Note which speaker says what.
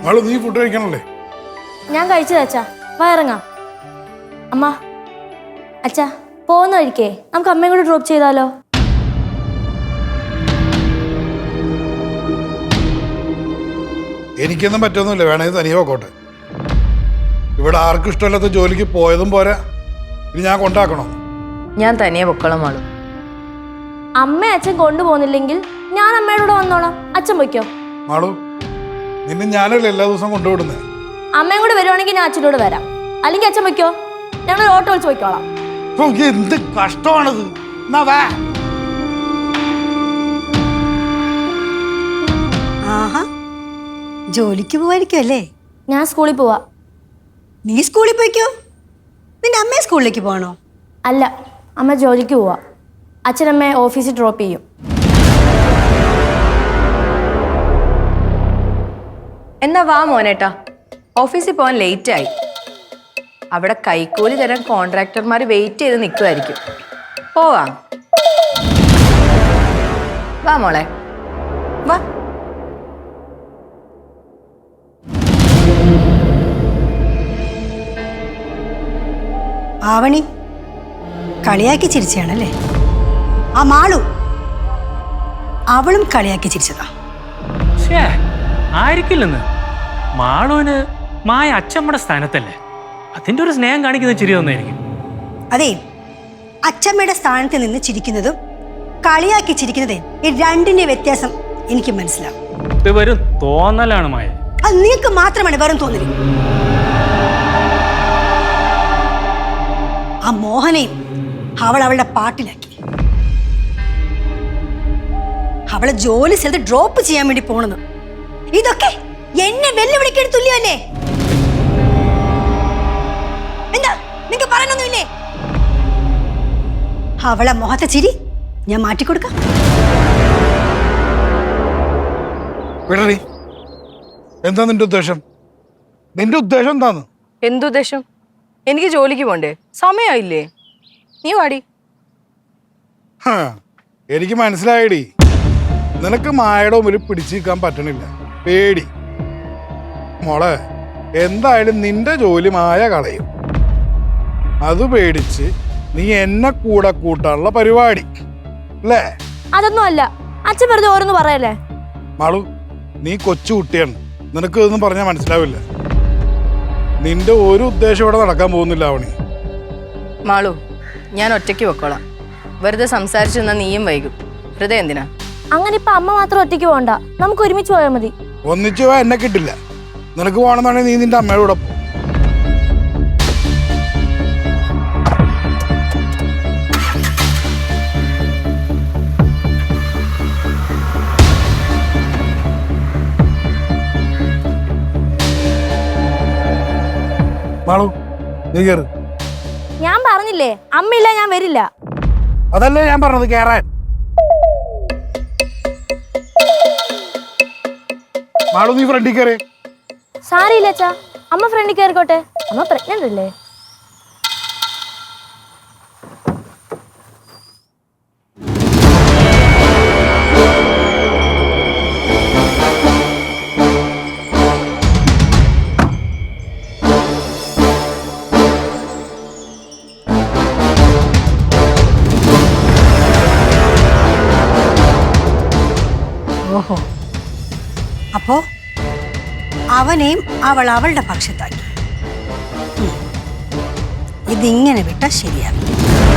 Speaker 1: നീ ഫുഡ് കഴിക്കണല്ലേ?
Speaker 2: ഞാൻ കഴിച്ചത് അച്ഛാ, വയറങ്ങാം. അമ്മ, അച്ഛാ പോകുന്ന വഴിക്കേ നമുക്ക് അമ്മയും കൂടെ ഡ്രോപ്പ് ചെയ്താലോ?
Speaker 1: എനിക്കൊന്നും പറ്റൊന്നുമില്ല, വേണമെങ്കിൽ തനിയെ പോക്കോട്ടെ. ഇവിടെ ആർക്കും ഇഷ്ടമല്ലാത്ത ജോലിക്ക് പോയതും പോരാ, ഇനി ഞാൻ കൊണ്ടാക്കണോ?
Speaker 3: ഞാൻ തനിയെ പൊക്കോളാം മാളു.
Speaker 2: അമ്മ അച്ഛൻ കൊണ്ടുപോകുന്നില്ലെങ്കിൽ ഞാൻ അമ്മയുടെ കൂടെ വന്നോളാം. അച്ഛൻ പൊയ്ക്കോ.
Speaker 1: മാളു, നിന്നെ ഞാനല്ലേ എല്ലാ ദിവസവും കൊണ്ടുവിടുന്നേ.
Speaker 2: അമ്മയും കൂടെ വരുവാണെങ്കിൽ ഞാൻ അച്ഛനോട് വരാം, അല്ലെങ്കിൽ അച്ഛൻ പൊയ്ക്കോ. ഞങ്ങൾ ഓട്ടോ വിളിച്ച് പൊയ്ക്കോളാം.
Speaker 1: എന്ത് കഷ്ടമാണത്.
Speaker 4: ആഹാ, ജോലിക്ക് പോവായിരിക്കും അല്ലേ?
Speaker 2: ഞാൻ സ്കൂളിൽ പോവാ.
Speaker 4: നീ സ്കൂളിൽ പോയിക്കോ. നിന്റെ അമ്മയെ സ്കൂളിലേക്ക് പോകണോ?
Speaker 2: അല്ല, അമ്മ ജോലിക്ക് പോവാ. അച്ഛനമ്മയെ ഓഫീസിൽ ഡ്രോപ്പ് ചെയ്യും.
Speaker 3: എന്നാ വാ മോനേട്ടാ, ഓഫീസിൽ പോകാൻ ലേറ്റായി. അവിടെ കൈക്കൂലി തരാൻ കോൺട്രാക്ടർമാർ വെയിറ്റ് ചെയ്ത് നിൽക്കുമായിരിക്കും. പോവാം. വാ മോളെ, വാ.
Speaker 4: ആവണി കളിയാക്കി ചിരിച്ചാണല്ലേ? ആ മാളു, അവളും കളിയാക്കി ചിരിച്ചതാ.
Speaker 5: ആയിരിക്കില്ലെന്ന്. മാളുവിന് മായ അച്ഛമ്മയുടെ സ്ഥാനത്തല്ലേ, അതിന്റെ ഒരു സ്നേഹം കാണിക്കുന്ന ചിരി തന്നെയായിരിക്കും.
Speaker 4: അതെ, അച്ഛമ്മയുടെ സ്ഥാനത്ത് നിന്ന് ചിരിക്കുന്നതും കളിയാക്കി ചിരിക്കുന്നതേ ഈ രണ്ടിന്റെ വ്യത്യാസം എനിക്ക് മനസ്സിലാവും.
Speaker 5: ഇത് വെറും തോന്നലാണ് മായ.
Speaker 4: അത് നിങ്ങൾക്ക് മാത്രമാണ് വെറും തോന്നല്. ആ മോഹനെയും അവൾ അവളുടെ പാട്ടിലാക്കി. അവളെ ജോലി സ്ഥലത്ത് ഡ്രോപ്പ് ചെയ്യാൻ വേണ്ടി പോണെന്ന്. ഇതൊക്കെ എന്നെ വെല്ലുവിളിക്കാൻ തുല്യമല്ലേ? എന്താ നിങ്ങക്ക് പറയാനൊന്നുമില്ലേ? അവളെ മുഖത്തെ ചിരി ഞാൻ മാറ്റിക്കൊടുക്കാം.
Speaker 1: എന്താ നിന്റെ ഉദ്ദേശം? നിന്റെ ഉദ്ദേശം എന്താന്ന്?
Speaker 3: എന്തുദ്ദേശം? എനിക്ക് ജോലിക്ക് പോണ്ടേ? സമയമായില്ലേ? നീ വാടി.
Speaker 1: എനിക്ക് മനസ്സിലായടി, നിനക്ക് മായയുടെ മുമ്പിൽ പിടിച്ചു നിൽക്കാൻ പറ്റണില്ല, പേടി. മോളെ, എന്തായാലും നിന്റെ ജോലി മായ കളയും. അത് പേടിച്ച് നീ എന്നെ കൂടെ കൂട്ടാനുള്ള പരിപാടി അല്ലേ?
Speaker 2: അതൊന്നും അല്ല, അച്ഛൻ വെറുതെ ഓരോന്ന് പറയല്ലേ.
Speaker 1: മാളു, നീ കൊച്ചു കുട്ടിയാണ്, നിനക്ക് ഇതൊന്നും പറഞ്ഞാൽ മനസ്സിലാവില്ല. നിന്റെ ഒരു ഉദ്ദേശം ഇവിടെ നടക്കാൻ പോകുന്നില്ല ആവണി.
Speaker 3: മാളു, ഞാൻ ഒറ്റയ്ക്ക് പൊക്കോളാം. വെറുതെ സംസാരിച്ചു നിന്നാ നീയും വൈകും. വെറുതെ എന്തിനാ?
Speaker 2: അങ്ങനെ ഇപ്പൊ അമ്മ മാത്രം ഒറ്റയ്ക്ക് പോകണ്ട, നമുക്ക് ഒരുമിച്ച് പോയാൽ മതി.
Speaker 1: ഒന്നിച്ചു പോയാൽ എന്നെ കിട്ടില്ല. നിനക്ക് പോകണമെന്നാണെങ്കിൽ നീ നിന്റെ അമ്മയുടെ കൂടെ പോ. മാളു, നീ കേറ്.
Speaker 2: ഞാൻ പറഞ്ഞില്ലേ, അമ്മയില്ല ഞാൻ വരില്ല.
Speaker 1: അതല്ലേ ഞാൻ പറഞ്ഞത്, കേറാൻ. മാളു, നീ ഫ്രണ്ടിൽ കയറി.
Speaker 2: സാരിയില്ല അച്ഛാ, അമ്മ ഫ്രണ്ടിൽ കയറിക്കോട്ടെ. അമ്മ പ്രഗ്നന്റ് അല്ലേ?
Speaker 4: ഓഹോ, അപ്പോ അവനെയും അവൾ അവളുടെ പക്ഷത്താക്കി. ഇതിങ്ങനെ വിട്ടാൽ ശരിയാവില്ല.